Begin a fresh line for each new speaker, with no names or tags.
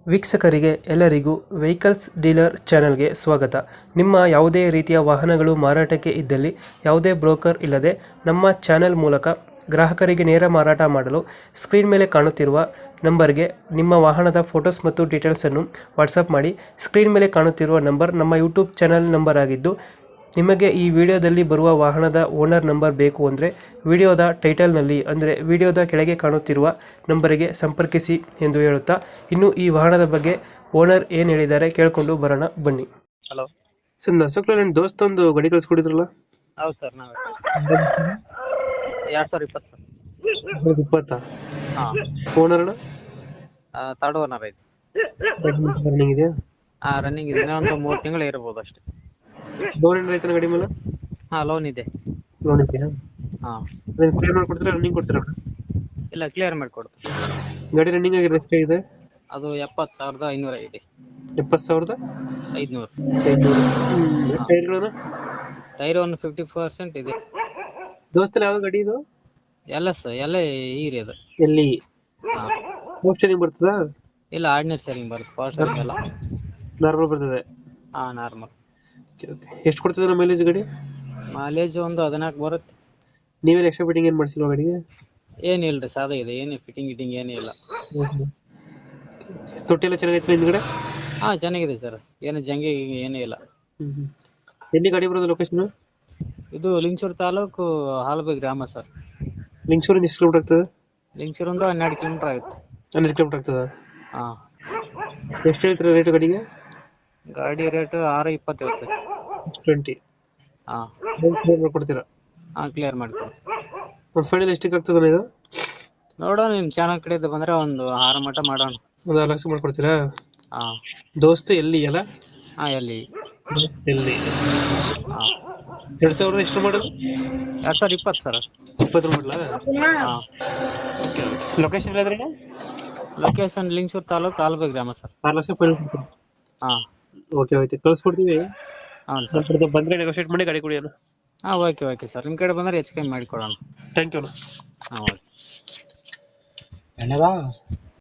ವೀಕ್ಷಕರಿಗೆ ಎಲ್ಲರಿಗೂ vehicles dealer ಚಾನೆಲ್ಗೆ ಸ್ವಾಗತ. ನಿಮ್ಮ ಯಾವುದೇ ರೀತಿಯ ವಾಹನಗಳು ಮಾರಾಟಕ್ಕೆ ಇದ್ದಲ್ಲಿ ಯಾವುದೇ ಬ್ರೋಕರ್ ಇಲ್ಲದೆ ನಮ್ಮ ಚಾನೆಲ್ ಮೂಲಕ ಗ್ರಾಹಕರಿಗೆ ನೇರ ಮಾರಾಟ ಮಾಡಲು ಸ್ಕ್ರೀನ್ ಮೇಲೆ ಕಾಣುತ್ತಿರುವ ನಂಬರ್ಗೆ ನಿಮ್ಮ ವಾಹನದ ಫೋಟೋಸ್ ಮತ್ತು ಡೀಟೇಲ್ಸನ್ನು ವಾಟ್ಸಪ್ ಮಾಡಿ. ಸ್ಕ್ರೀನ್ ಮೇಲೆ ಕಾಣುತ್ತಿರುವ ನಂಬರ್ ನಮ್ಮ ಯೂಟ್ಯೂಬ್ ಚಾನೆಲ್ ನಂಬರ್ ಆಗಿದ್ದು, ನಿಮಗೆ ಈ ವಿಡಿಯೋದಲ್ಲಿ ಬರುವ ವಾಹನದ ಓನರ್ ನಂಬರ್ ಬೇಕು ಅಂದರೆ ವಿಡಿಯೋದ ಟೈಟಲ್ನಲ್ಲಿ ಅಂದರೆ ವಿಡಿಯೋದ ಕೆಳಗೆ ಕಾಣುತ್ತಿರುವ ನಂಬರಿಗೆ ಸಂಪರ್ಕಿಸಿ ಎಂದು ಹೇಳುತ್ತಾ, ಇನ್ನು ಈ ವಾಹನದ ಬಗ್ಗೆ ಓನರ್ ಏನು ಹೇಳಿದ್ದಾರೆ ಕೇಳಿಕೊಂಡು ಬರೋಣ ಬನ್ನಿ.
ಹಲೋ
ಸರ್, ನಸಕ್ಲ ನನ್ನ ದೋಸ್ತ ಒಂದು ಗಾಡಿ ಕಳಿಸ್ಕೊಡಿದ್ರಲ್ಲ,
ಹೌದು ಸರ್, ನಾವೇ 2020 ಸರ್.
2020
ಹಾಂ,
ಓನರ್
ತರ್ಡ್ ಓನರ್ ಐತಿ.
ರನ್ನಿಂಗ್ ಇದೆಯಾ?
ರನ್ನಿಂಗ್ ಇದೆ, ಇನ್ನೊಂದು 3 ತಿಂಗಳು ಇರ್ಬೋದು ಅಷ್ಟೇ.
ಲೋನ್ ಏನಾರ ಐತನ ಗಾಡಿ ಮೇಲೆ?
ಲೋನ್ ಇದೆ.
ಲೋನ್ ಇದೆಯಾ?
ಹಾಂ,
ಕ್ಲಿಯರ್ ಮಾಡ್ಕೊಡ್ತೀರಾ, ರನ್ನಿಂಗ್ ಕೊಡ್ತೀರಾ?
ಇಲ್ಲ, ಕ್ಲಿಯರ್ ಮಾಡಿಕೊಡ್ತೀವಿ.
ಗಾಡಿ ರನ್ನಿಂಗ್ ಆಗಿದೆ ಎಷ್ಟಾಗಿದೆ?
ಅದು 70,500 ಇದೆ.
70,500.
500.
ಟೈರ್ಗಳನ್ನು
ಟೈರ್ ಒಂದು 50% ಇದೆ.
ದೋಸ್ತಲ್ಲಿ ಯಾವ್ದು ಗಾಡಿ ಇದು?
ಎಲ್ಲ ಈರಿ ಅದು.
ಎಲ್ಲಿ
ಹಾಂ,
ಆಪ್ಷನ್ ಬರ್ತದಾ?
ಇಲ್ಲ, ಆರ್ಡಿನರಿ ಸರಿಂಗ್ ಬರುತ್ತೆ, ಫಾಸ್ಟ್ ಸರಿಂಗ್ ಎಲ್ಲ.
ನಾರ್ಮಲ್ ಬರ್ತದೆ?
ಹಾಂ, ನಾರ್ಮಲ್.
ಎಷ್ಟು ಕೊಡ್ತದೆ ನಮ್ಮ ಮೈಲೇಜ್ ಗಾಡಿ?
ಮೈಲೇಜ್ ಒಂದು 14 ಬರುತ್ತೆ.
ನೀವೇನು ಎಕ್ಸ್ಟ್ರಾ ಫಿಟ್ಟಿಂಗ್ ಏನು ಮಾಡಿಸಿಲ್ವ ಗಾಡಿಗೆ?
ಏನಿಲ್ಲ ರೀ, ಸಾದಾ ಇದೆ, ಏನು ಫಿಟ್ಟಿಂಗ್ ಏನೂ ಇಲ್ಲ.
ತೊಟ್ಟಿ ಎಲ್ಲ ಚೆನ್ನಾಗೈತೆ ಹಿಂದ್ಗಡೆ?
ಹಾಂ, ಚೆನ್ನಾಗಿದೆ ಸರ್, ಏನು ಜಂಗಿ ಏನೂ ಇಲ್ಲ.
ಎಲ್ಲಿ ಗಾಡಿ ಬರೋದು ಲೊಕೇಶನ್?
ಇದು ಲಿಂಗಸೂರು ತಾಲೂಕು ಹಾಲಬಿ ಗ್ರಾಮ ಸರ್.
ಲಿಂಗಸೂರಿಂದ ಎಷ್ಟು ಕಿಲೋಮೀಟರ್ ಆಗ್ತದೆ?
ಲಿಂಗಸೂರು ಒಂದು 12 ಕಿಲೋಮೀಟರ್ ಆಗುತ್ತೆ.
12 ಕಿಲೋಮೀಟರ್ ಆಗ್ತದ?
ಹಾಂ.
ಎಷ್ಟು ಹೇಳ್ತೀರಾ ರೇಟ್ ಗಾಡಿಗೆ?
ಗಾಡಿ ರೇಟ್ 620 ಇರುತ್ತೆ.
20.
ಹಾಂ.
ಮಾಡ್ಕೊಡ್ತೀರಾ?
ಹಾಂ, ಕ್ಲಿಯರ್ ಮಾಡ್ಕೊಡಿ.
ಒಂದು ಫೈನಲ್ ಎಷ್ಟಕ್ಕೆ ಆಗ್ತದಲ್ಲ ಇದು?
ನೋಡೋಣ, ನಿಮ್ಮ ಚಾನಲ್ ಕಡೆಯಿಂದ ಬಂದರೆ ಒಂದು 6 ಮಟ್ಟ ಮಾಡೋಣ.
ಒಂದು 6 ಲಕ್ಷ ಮಾಡ್ಕೊಡ್ತೀರಾ?
ಹಾಂ.
ದೋಸ್ತ ಎಲ್ಲಿ ಅಲ್ಲ?
ಹಾಂ, ಎಲ್ಲಿ?
ಎಲ್ಲಿ?
ಹಾಂ.
2000 ಎಷ್ಟು ಮಾಡೋದು?
2020 ಸರ್.
20 ಮಾಡಲಾ?
ಹಾಂ.
ಲೊಕೇಶನ್ ಹೇಳಿದ್ರೆ?
ಲೊಕೇಶನ್ ಲಿಂಗಸೂರು ತಾಲೂಕು ಹಾಲಬಿ ಗ್ರಾಮ ಸರ್.
6 ಲಕ್ಷ ಫೈನಲ್ ಕೊಡ್ತೀರಾ?
ಹಾಂ.
ಓಕೆ, ಕಳಿಸ್ಕೊಡ್ತೀವಿ.
ಹಾಂ ಸರ್.
ಬಂದರೆ ನೆಗೋಷಿಯೇಟ್ ಮಾಡಿ ಗಾಡಿ ಕೊಡಿ.
ಹಾಂ, ಓಕೆ ಸರ್, ನಿಮ್ಮ ಕಡೆ ಬಂದರೆ ಹೆಚ್ಚು ಕಮ್ಮಿ ಮಾಡಿಕೊಡೋಣ.
Thank you.
ಹಾಂ, ಓಕೆ.